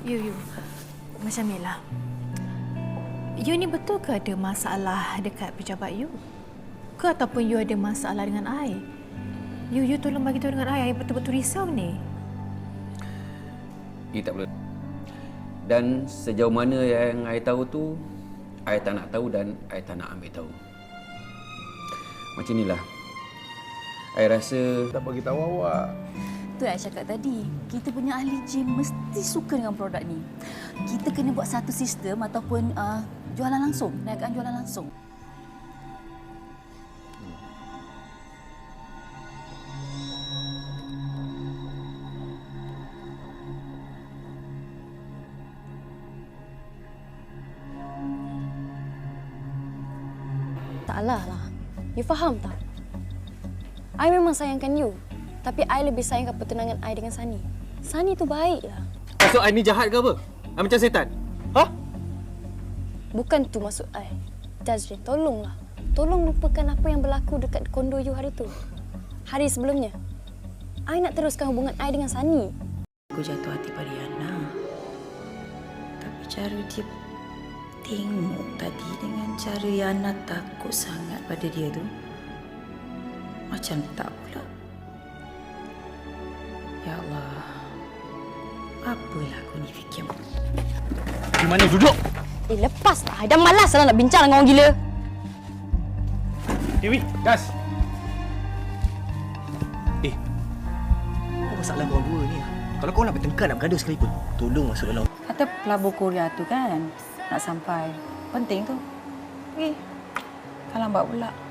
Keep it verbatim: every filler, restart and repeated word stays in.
You, you. Macam ni lah. You ni betul ke ada masalah dekat pejabat you? Ke ataupun you ada masalah dengan I? You, you tolong bagi tahu dengan I. I betul-betul risau ni. You tak perlu. Dan sejauh mana yang I tahu tu, I tak nak tahu dan I tak nak ambil tahu. Macam inilah. I rasa... Tak bagi tahu awak. Tu yang saya cakap tadi. Kita punya ahli gym mesti suka dengan produk ni. Kita kena buat satu sistem ataupun uh, jualan langsung. Niagaan jualan langsung. Taklah lah. You faham tak? I memang sayangkan you. Tapi I lebih sayangkan pertunangan I dengan Sunny. Sunny tu baik lah. Maksud I ni jahat ke apa? I macam setan? Ha? Bukan tu maksud I. Jazrin, tolonglah. Tolong lupakan apa yang berlaku dekat kondo you hari tu. Hari sebelumnya. I nak teruskan hubungan I dengan Sunny. Aku jatuh hati pada Yana. Tapi cara dia tengok tadi dengan cara Yana takut sangat pada dia tu. Macam tak pula. Ya Allah. Apalah aku ni fikir. Di mana duduk? Eh, lepas lah. I dah malas lah nak bincang dengan orang gila. Dewi, gas. Eh, apa masalah korang dua ni? Kalau korang nak bertengkar, nak bergaduh sekalipun, tolong masuk dalam. Kata pelabur Korea tu kan nak sampai. Penting tu. Pergi. Tak lambat pula.